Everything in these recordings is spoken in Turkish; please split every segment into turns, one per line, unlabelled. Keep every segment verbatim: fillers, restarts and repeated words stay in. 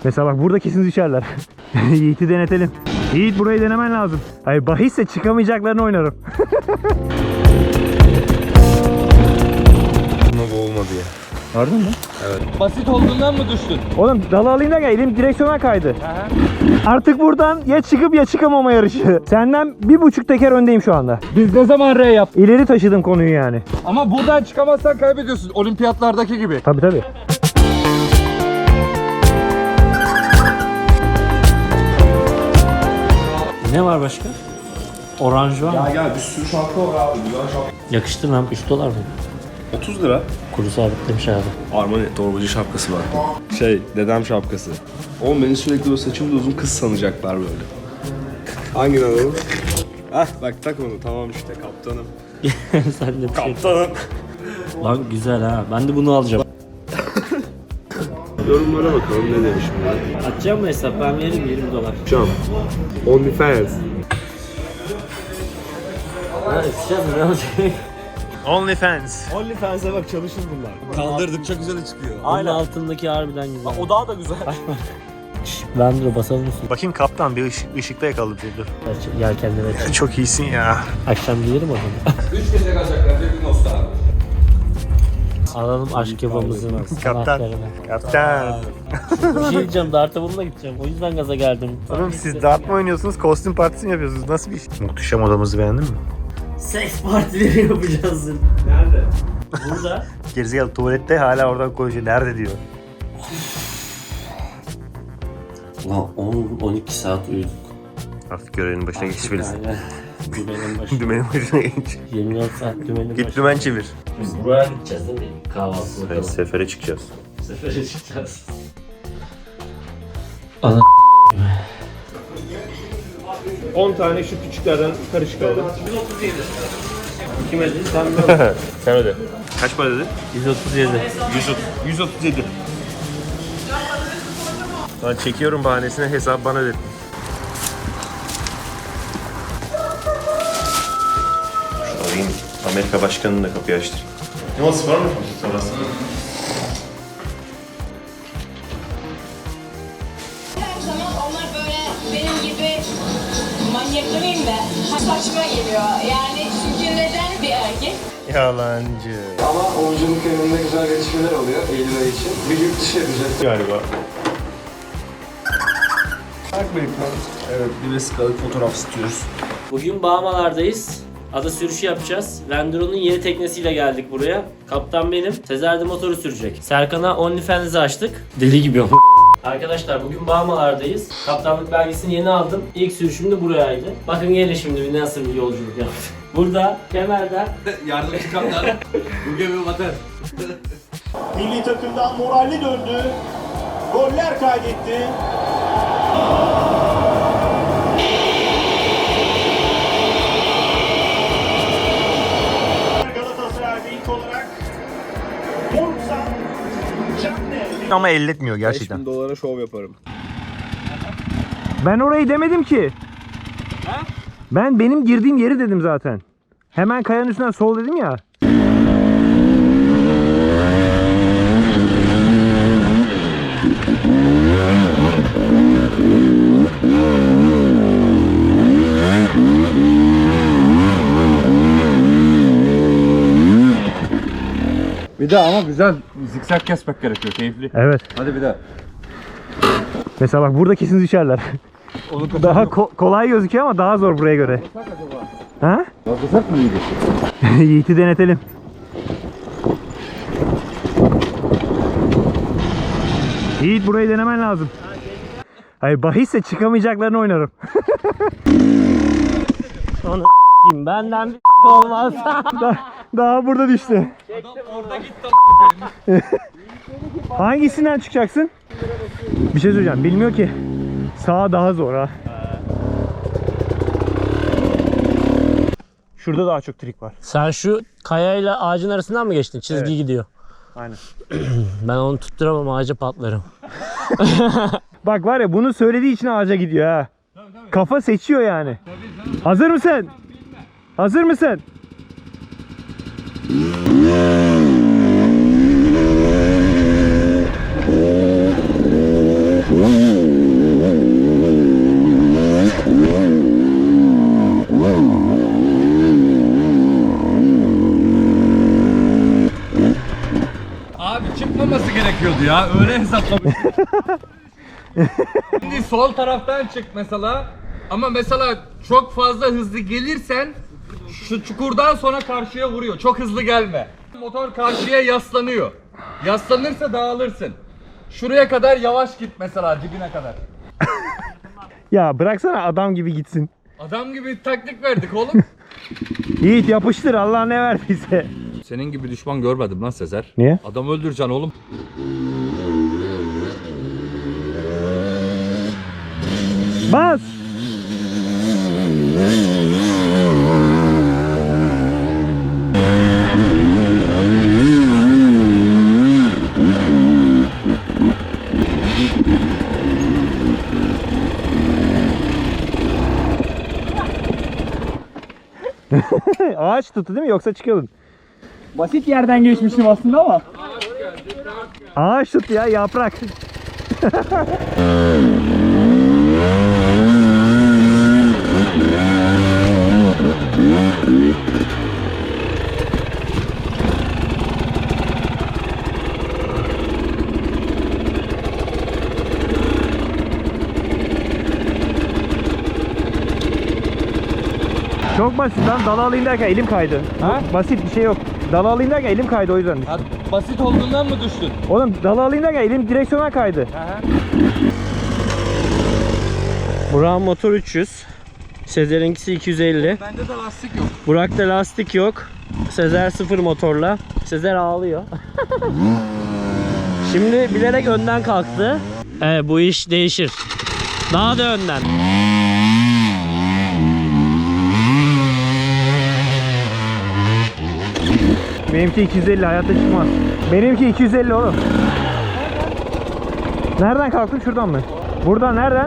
Mesela bak burada kesin düşerler. Yiğit'i denetelim. Yiğit burayı denemen lazım. Hayır bahisse çıkamayacaklarını oynarım.
Buna bu olmadı ya.
Gördün mü?
Evet.
Basit olduğundan mı düştün?
Oğlum dalı alayım da gel, elim direksiyona kaydı. Aha. Artık buradan ya çıkıp ya çıkamama yarışı. Senden bir buçuk teker öndeyim şu anda.
Biz ne zaman R yap?
İleri taşıdım konuyu yani.
Ama buradan çıkamazsan kaybediyorsun. Olimpiyatlardaki gibi.
Tabii tabii.
Ne var başka? Oranj var mı?
Ya gel bir sürü şapka var abi. Güzel şapka.
Yakıştı mı? üç dolar mı?
otuz lira.
Kuru sabitlemiş abi.
Armani torbacı şapkası var. Şey, dedem şapkası. Oğlum beni sürekli böyle saçımda uzun kız sanacaklar böyle. Hangini alalım? Hah bak tak onu, tamam işte kaptanım.
Sen de bir şey.
Kaptanım.
Lan güzel ha. Ben de bunu alacağım.
Yorumlara bakalım ne demiş bunlar.
Atacağım mı hesap? Ben veririm yirmi dolar.
Can. OnlyFans.
Ha atacağım ne olacak?
OnlyFans.
OnlyFans'e bak çalışır bunlar. Kaldırdıkça güzel çıkıyor.
Aynen altındaki harbiden güzel.
O daha da güzel.
Ben dur basalım mısın?
Bakayım kaptan bir ışık, ışıkta yakaladı dur.
Yelkenleri aç.
Çok iyisin ya.
Akşam giyelim o zaman.
Üç gece kalacaklar. Bir gün olsa abi.
Alalım aşk kebabımızın
Kaptan.
anahtarını.
Kaptan.
Bir şey diyeceğim, darta bununla gideceğim. O yüzden gaza geldim.
Oğlum siz dart mı oynuyorsunuz, kostüm partisi mi yapıyorsunuz? Nasıl bir iş? Muhteşem odamızı beğendin mi?
Seks partileri yapacağız. Nerede? Burada.
Gerizekalı tuvalette hala oradan konuşuyor. Nerede diyor.
Ulan on on iki saat uyuduk.
Artık görevinin başına geçmelisin.
Aynen. Dümenin başına.
Dümenin başına geç.
yirmi dört saat dümenin başına.
Git dümen çevir.
Biz buraya gideceğiz değil mi? Kahvaltı
Evet,
bakalım.
sefere çıkacağız.
Sefere çıkacağız. Ana
on tane şu küçüklerden karışık aldım.
yüz otuz yedi. Kim ödedi? Sen mi ödedin?
Sen öde. Kaç para dedin?
yüz otuz yedi.
yüz otuz yedi. Ben çekiyorum bahanesine, hesap bana ödettin. Şu arayayım. Amerika Başkanı'nın da kapıyı açtır. Ne olsun var mı? Sonrası.
Her zaman onlar böyle benim gibi manyak demeyeyim de saçma geliyor. Yani çünkü neden bir erkek?
Yalancı.
Ama oyunculuk yönünde güzel gelişmeler oluyor Eylül ayı için. Bir yurt dışı yapacak.
Galiba.
Evet, bir vesikalık fotoğraf istiyoruz.
Bugün Bahamalar'dayız. Ada sürüşü yapacağız. Landero'nun yeni teknesiyle geldik buraya. Kaptan benim. Sezer de motoru sürecek. Serkan'a OnlyFans'i açtık. Deli gibi ama. Arkadaşlar bugün Bahamalar'dayız. Kaptanlık belgesini yeni aldım. İlk sürüşüm de burayaydı. Bakın gelin şimdi bir nasıl bir yolculuk yaptık. Burada kemerden
Yardımcı kaptan. Bu gemi batar.
Milli takımdan moralli döndü. Goller kaydetti. Galatasaray'da ilk olarak Moruksan Canne.
Ama elletmiyor
beş
gerçekten.
bin dolara şov yaparım.
Ben orayı demedim ki. Ben benim girdiğim yeri dedim zaten. Hemen kayanın üstünden sol dedim ya.
Bir daha ama güzel zikzak kesmek gerekiyor. Keyifli.
Evet.
Hadi bir daha.
Mesela bak burada kesin düşerler. Daha ko- kolay gözüküyor ama daha zor buraya göre. Ha?
Yolculuk mı iyiydi?
Yiğit'i denetelim. Yiğit burayı denemen lazım. Hayır bahisse çıkamayacaklarını oynarım.
onu s**eyim. Benden bir olmaz.
daha, daha burada düştü.
Orada gitti.
Hangisinden çıkacaksın? Bir şey söyleyeceğim. Bilmiyor ki. Sağ daha zor ha. Şurada daha çok trik var.
Sen şu kayayla ağacın arasından mı geçtin? Çizgi
Evet.
gidiyor.
Aynen.
Ben onu tutturamam, ağaca patlarım.
Bak var ya bunu söylediği için ağaca gidiyor ha. Kafa seçiyor yani. Hazır mısın? Hazır mısın?
olması gerekiyordu ya. Öyle hesaplamış. Şimdi sol taraftan çık mesela. Ama mesela çok fazla hızlı gelirsen şu çukurdan sonra karşıya vuruyor. Çok hızlı gelme. Motor karşıya yaslanıyor. Yaslanırsa dağılırsın. Şuraya kadar yavaş git mesela, dibine kadar.
Ya bıraksana adam gibi gitsin.
Adam gibi taktik verdik oğlum.
Yiğit yapıştır, Allah ne verdiyse.
Senin gibi düşman görmedim lan Sezer.
Niye?
Adam öldüreceksin oğlum.
Bas! Ağaç tuttu değil mi? Yoksa çıkıyordun.
Basit yerden geçmiştim aslında ama.
Ağaç tuttu ya, yaprak. Çok basit lan, dalı alayım derken elim kaydı.
Ha?
Basit bir şey yok. Dalı alayım derken elim kaydı o yüzden.
Ya, basit olduğundan mı düştün?
Oğlum dalı alayım derken elim direksiyona kaydı.
Burak'ın motor üç yüz. Sezer'inkisi iki yüz elli.
Bende de lastik yok.
Burak'ta lastik yok. Sezer sıfır motorla. Sezer ağlıyor. Şimdi bilerek önden kalktı. Evet, bu iş değişir. Daha da önden.
Benimki iki yüz elli, hayatta çıkmaz. Benimki iki yüz elli oğlum. Nereden kalktın? Şuradan mı? Buradan nereden?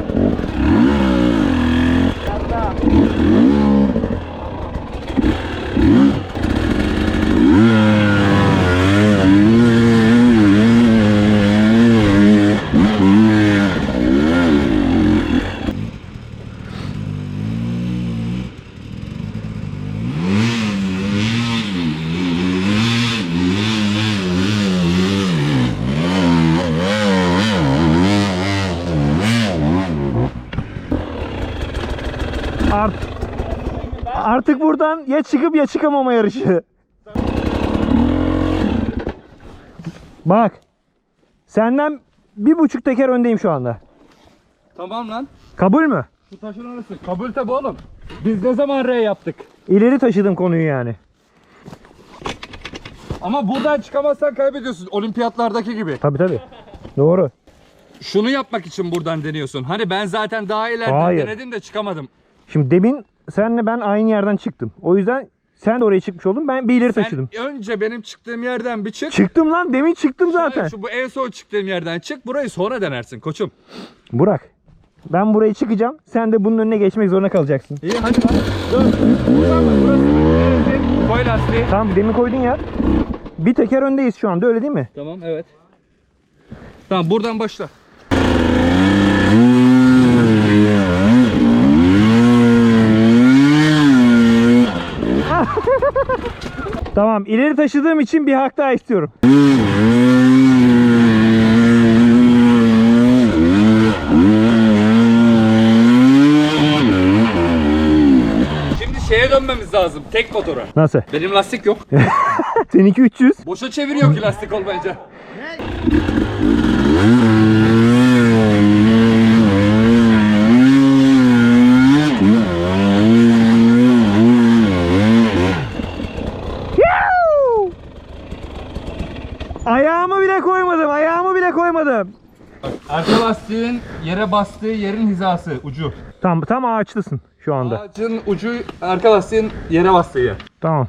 Art Artık buradan ya çıkıp ya çıkamama yarışı. Bak. Senden bir buçuk teker öndeyim şu anda.
Tamam lan.
Kabul mü?
Şu taşın arası. Kabul tabi oğlum. Biz ne zaman R yaptık?
İleri taşıdım konuyu yani.
Ama buradan çıkamazsan kaybediyorsun. Olimpiyatlardaki gibi.
Tabii tabii. Doğru.
Şunu yapmak için buradan deniyorsun. Hani ben zaten daha ileriden
Hayır.
denedim de çıkamadım.
Şimdi demin senle ben aynı yerden çıktım. O yüzden sen de oraya çıkmış oldun. Ben bir ileri
Sen
taşıdım.
önce benim çıktığım yerden bir çık.
Çıktım lan. Demin çıktım zaten.
Hayır, şu bu en son çıktığım yerden çık. Burayı sonra denersin koçum.
Burak. Ben buraya çıkacağım. Sen de bunun önüne geçmek zorunda kalacaksın.
İyi hadi lan. Dur. Buradan mı? Burası. Koy lastiği.
Tamam, demin koydun yer. Bir teker öndeyiz şu anda, öyle değil mi?
Tamam evet. Tamam buradan başla.
Tamam, ileri taşıdığım için bir hak daha istiyorum.
Şimdi şeye dönmemiz lazım. Tek motora.
Nasıl?
Benim lastik yok.
Seninki üç yüz.
Boşa çeviriyor ki lastik olmayınca.
Ayağımı bile koymadım, ayağımı bile koymadım.
Arka lastiğin yere bastığı yerin hizası, ucu.
Tam tam ağaçlısın şu anda.
Ağacın ucu arka lastiğin yere bastığı yer.
Tamam.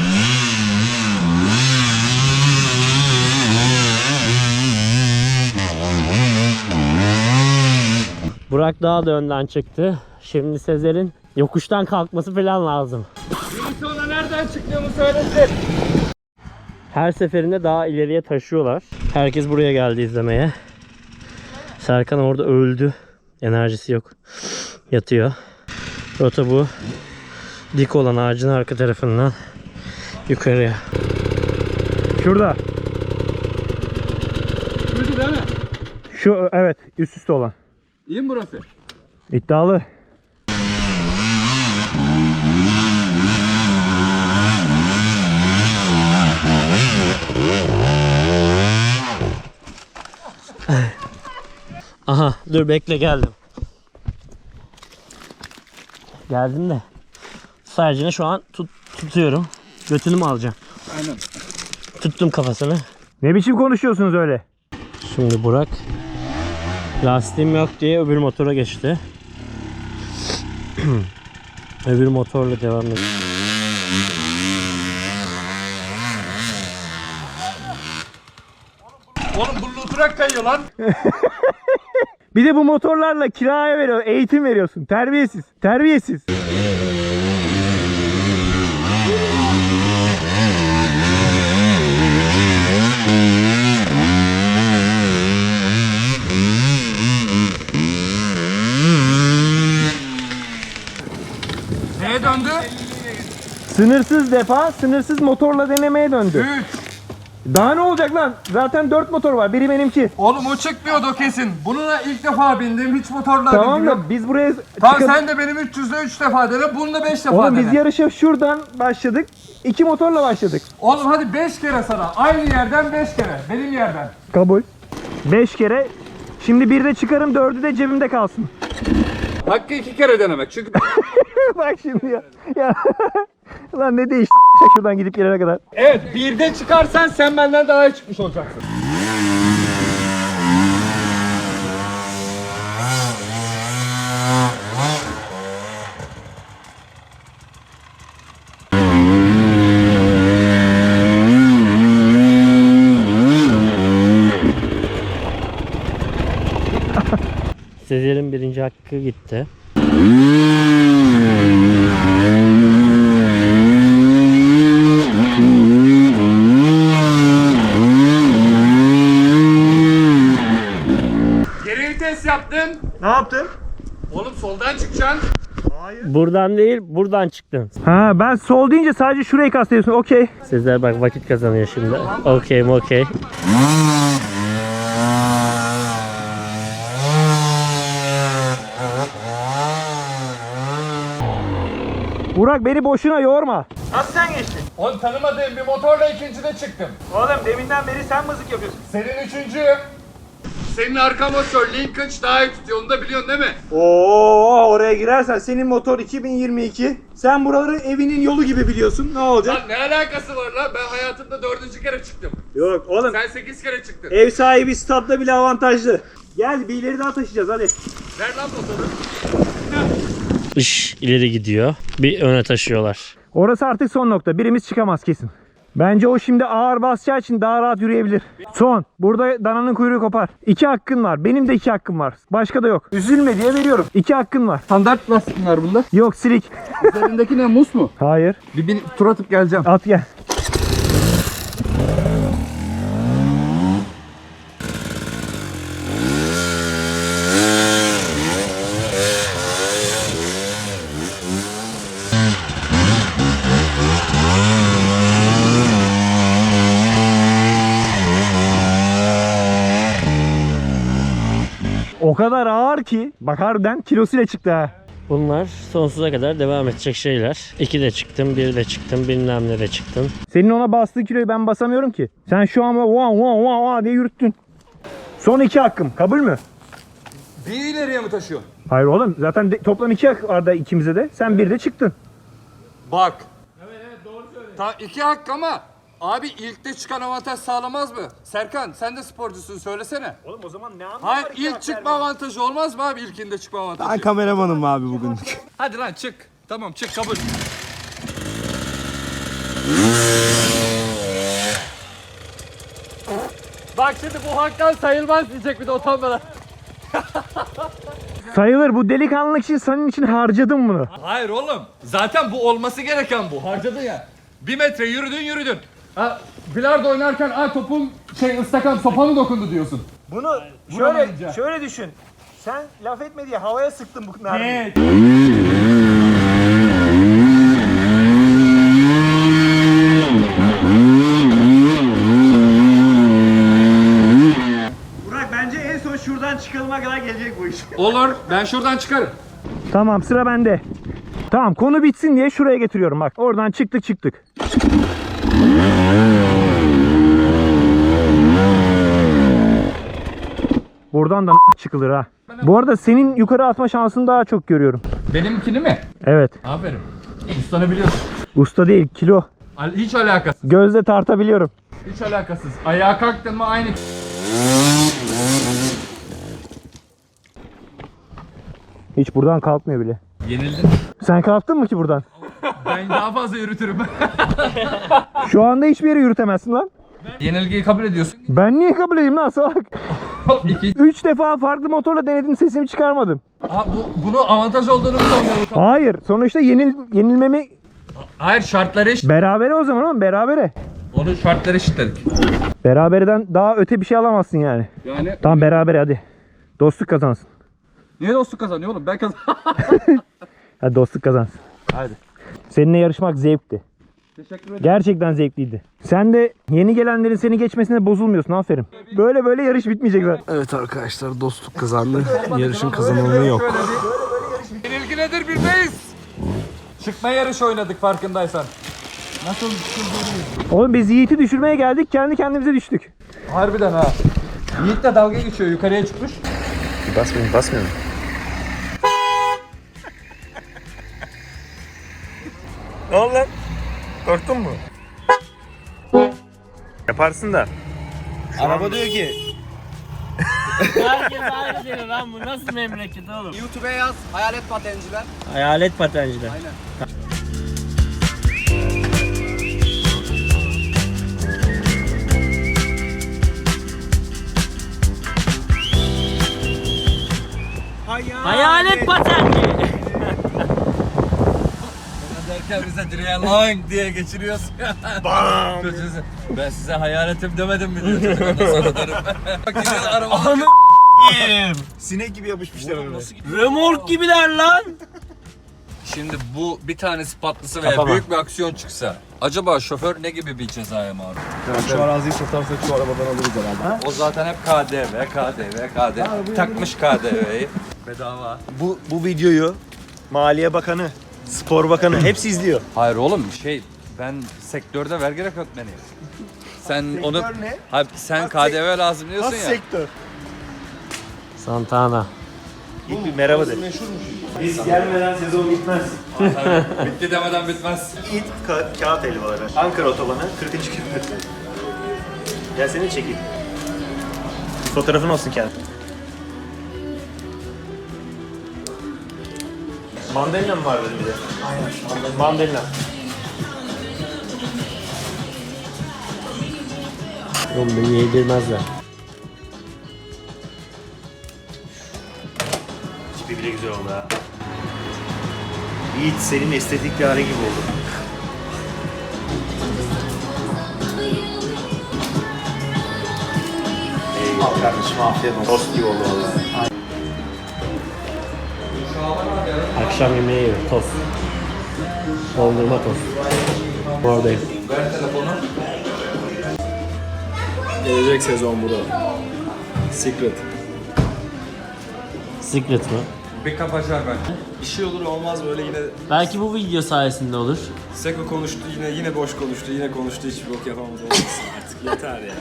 Burak daha da önden çıktı. Şimdi Sezer'in yokuştan kalkması falan lazım.
Biri sonra nereden çıktığımı söylesin.
Her seferinde daha ileriye taşıyorlar. Herkes buraya geldi izlemeye. Serkan orada öldü. Enerjisi yok. Yatıyor. Rota bu. Dik olan ağacın arka tarafından yukarıya.
Şurada.
Burası değil mi?
Şu evet üst üste olan.
İyi mi burası?
İddialı.
Aha dur bekle geldim. Geldim de. Sadece şu an tut, tutuyorum. Götünü mü alacağım?
Aynen.
Tuttum kafasını.
Ne biçim konuşuyorsunuz öyle?
Şimdi Burak lastiğim yok diye öbür motora geçti. Öbür motorla devam ediyor.
Oğlum bu oturak kayıyor lan.
Bir de bu motorlarla kiraya veriyor, eğitim veriyorsun. Terbiyesiz, terbiyesiz.
Neye döndü?
Sınırsız defa, sınırsız motorla denemeye döndü.
üç.
Daha ne olacak lan? Zaten dört motor var. Biri benimki.
Oğlum o çıkmıyordu o kesin. Bununla ilk defa bindim. Hiç motorla
Tamam
bilmiyorum.
da biz buraya
Tamam
çıkıp-
sen de benim üç yüzde üç defa dene. Bunu da beş defa
Oğlum
dene.
biz yarışa şuradan başladık. İki motorla başladık.
Oğlum hadi beş kere sana. Aynı yerden beş kere. Benim yerden.
Kabul. Beş kere. Şimdi bir de çıkarım, dördü de cebimde kalsın.
Hakkı iki kere denemek. Çünkü
Bak şimdi ya. Ya. Lan ne değişti şuradan gidip gelene kadar.
evet birde çıkarsan sen benden daha iyi çıkmış olacaksın.
Sezer'in birinci hakkı gitti.
Geri vites yaptın.
Ne yaptın?
Oğlum soldan çıkacaksın.
Buradan değil, buradan çıktın.
Ha ben sol deyince sadece şurayı kastediyorsun. Okey.
Sezer bak vakit kazanıyor şimdi. Okey mi okey.
Burak beni boşuna yorma. Nasıl sen geçtin?
Oğlum tanımadığım bir motorla ikincide çıktım.
Oğlum deminden beri sen mızık yapıyorsun.
Senin üçüncü. Senin arka motor Lincoln daha iyi tutuyor. Onu da biliyorsun değil mi?
Oo oraya girersen senin motor iki bin yirmi iki. Sen buraları evinin yolu gibi biliyorsun. Ne olacak?
Lan ne alakası var lan? Ben hayatımda dördüncü kere çıktım.
Yok oğlum
Sen sekiz kere çıktın.
ev sahibi stadda bile avantajlı. Gel bir ileri daha taşıyacağız hadi.
Ver lan motoru.
Iş ileri gidiyor. Bir öne taşıyorlar.
Orası artık son nokta. Birimiz çıkamaz kesin. Bence o şimdi ağır basacağı için daha rahat yürüyebilir. Son. Burada dananın kuyruğu kopar. İki hakkın var. Benim de iki hakkım var. Başka da yok. Üzülme diye veriyorum. İki hakkın var.
Standart lastikler bunda.
Yok silik.
Üzerindeki ne, mus mu?
Hayır.
Bir, bir tur atıp geleceğim.
At gel. O kadar ağır ki bak harbiden kilosuyla çıktı ha.
Bunlar sonsuza kadar devam edecek şeyler. İki de çıktım, bir de çıktım, bilmem ne de çıktım.
Senin ona bastığı kiloyu ben basamıyorum ki. Sen şu an va va va va diye yürüttün. Son iki hakkım. Kabul mü?
Bir ileriye mi taşıyor?
Hayır oğlum. Zaten de- toplam iki hak vardı ikimize de. Sen bir de çıktın.
Bak. Evet evet doğru söylüyorsun. Ta iki hak ama abi ilkte çıkan avantaj sağlamaz mı? Serkan sen de sporcusun söylesene.
Oğlum o zaman ne anlamı
Hayır ilk çıkma avantajı olmaz mı abi ilkinde çıkma avantajı?
Ben kameramanım abi bugün.
Hadi lan çık. Tamam çık kabul. Bak şimdi bu haktan sayılmaz diyecek bir de utanmadan.
Sayılır. Bu delikanlılık için senin için harcadım bunu.
Hayır oğlum. Zaten bu olması gereken bu. Harcadın ya. Bir metre yürüdün yürüdün. Ha, bilardo oynarken ay topun şey ıstakan sopa mı dokundu diyorsun.
Bunu
Vuramayınca.
şöyle düşün. Sen laf etme diye havaya sıktın bu mermiyi.
Evet.
son şuradan çıkılma kadar gelecek bu iş.
Olur, ben şuradan çıkarım.
Tamam, sıra bende. Tamam, konu bitsin diye şuraya getiriyorum bak. Oradan çıktık çıktık. Buradan da çıkılır ha. Bu arada senin yukarı atma şansını daha çok görüyorum.
Benimkini mi?
Evet.
Aferin. Ustanı biliyorsun.
Usta değil, kilo.
Al- Hiç alakasız.
Gözle tartabiliyorum.
Hiç alakasız. Ayağa kalktın mı aynı.
Hiç buradan kalkmıyor bile.
Yenildin.
Sen kalktın mı ki buradan?
Ben daha fazla yürütürüm.
Şu anda hiçbir yere yürütemezsin lan.
Yenilgiyi kabul ediyorsun.
Ben niye kabul edeyim lan salak?
İki.
Üç defa farklı motorla denedim, sesimi çıkarmadım.
Aa, bu, bunu avantaj olduğunu mu sanıyorsun?
Hayır, sonuçta yenil, yenilmemi
Hayır, şartları eşit.
berabere o zaman oğlum, berabere.
Onun şartları eşitledik.
Beraberden daha öte bir şey alamazsın yani.
Yani
Tamam, berabere hadi. Dostluk kazansın.
niye dostluk kazanıyor oğlum? Ben kazan.
Hadi dostluk kazansın.
Hadi.
Seninle yarışmak zevkti.
Teşekkür ederim.
Gerçekten zevkliydi. Sen de yeni gelenlerin seni geçmesine bozulmuyorsun, aferin. Böyle böyle yarış bitmeyecek zaten.
Evet arkadaşlar, dostluk kazandı. Yarışın kazananı yok.
Yenilgi nedir bilmeyiz. Çıkma yarışı oynadık farkındaysan. Nasıl
Oğlum biz Yiğit'i düşürmeye geldik, kendi kendimize düştük.
Harbiden ha. Yiğit de dalga geçiyor, yukarıya çıkmış.
Basmıyorum, basmıyorum.
Ne oldu lan? Korktun mu? Yaparsın da.
Araba diyor ki
Herkes aynı diyor lan, bu nasıl memleket oğlum?
YouTube'a yaz hayalet patenciler.
Hayalet patenciler. Hayalet patenci.
Derken bize direğe lang diye geçiriyorsun. Bam. Ben size hayaletim demedim mi diyor çocuk, ondan sonra derim. Bak yine araba.
Sinek gibi yapışmışlar ona.
Remork gibiler lan.
Şimdi bu bir tanesi patlasa veya büyük bir aksiyon çıksa acaba şoför ne gibi bir cezaya maruz?
Şu araziyi satarsak şu arabadan alırız herhalde.
O zaten hep K D V, K D V, K D V. Takmış K D V'yi. Bedava.
Bu, bu videoyu Maliye Bakanı, Spor Bakanı hepsi izliyor.
Hayır oğlum, şey, ben sektörde vergi rekortmeniyim. Sen onu
ne?
Hayır, sen K D V lazım diyorsun
Has
ya.
sektör.
Santana.
İlk bir merhaba de.
Biz gelmeden sezon bitmez.
Bitti demeden bitmez.
İlk ka- kağıt helvaları. Ankara otobanı kırkıncı kilometre. Gel seni çekeyim. Fotoğrafın olsun kendi. Mandalina mı var dedim bir de? Aynen. Mandalina.
Oğlum beni yedirmezler.
Tipi bile güzel oldu ha. Yiğit senin estetik bir hale gibi oldu. Eyvallah kardeşim, afiyet olsun. Tost gibi oldu vallahi.
Akşam yemeği yiyor, tost. Dondurma tost. Oradayım.
Ver telefonu.
Gelecek sezon bu da. Secret.
Secret mi?
Bir kapaçar bence.
Bir şey olur olmaz böyle yine
Belki bu video sayesinde olur.
Seko konuştu, yine yine boş konuştu, yine konuştu, hiçbir bok yapamadı, olmasın artık, yeter ya.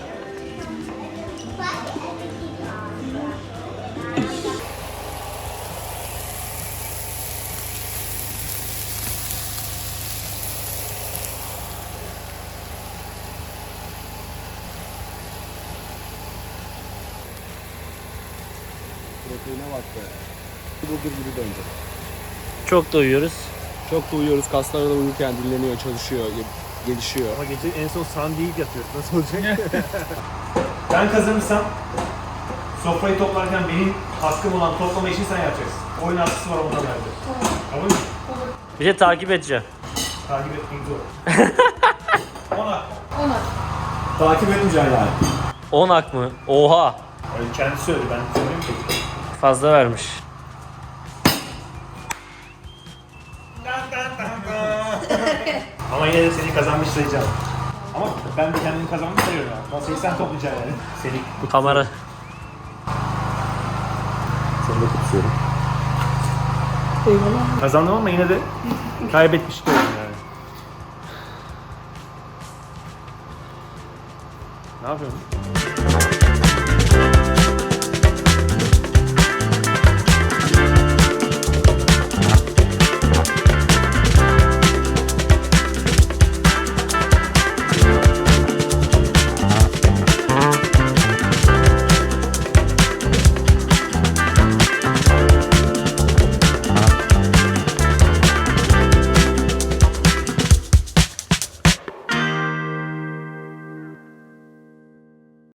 Proteine bak be. Bulgur gibi döndü.
Çok da uyuyoruz.
Çok da uyuyoruz, kaslar da uyurken dinleniyor, çalışıyor, ge- gelişiyor.
Ama gece en son sandviç yatıyoruz. Nasıl olacak? Ben kazanırsam sofrayı toplarken benim hakkım olan toplama işini sen yapacaksın. Oyun hakkısı var ondan bende. Tamam mı?
Bir de takip edeceğim.
Takip etmek zor. Ona. Ona. Takip etmeyeceksin yani.
on ak mı? Oha.
Öyle kendisi söyledi, ben söyleyeyim ki.
Fazla vermiş.
Ama yine de seni kazanmış sayacağım. Ama ben de kendimi kazanmış sayıyorum yani. Masayı sen toplayacaksın yani. Seni
Kamera.
Onu da kutsuyorum. Eyvallah. Kazandım ama yine de kaybetmiş de oldum yani. Ne yapıyorsun?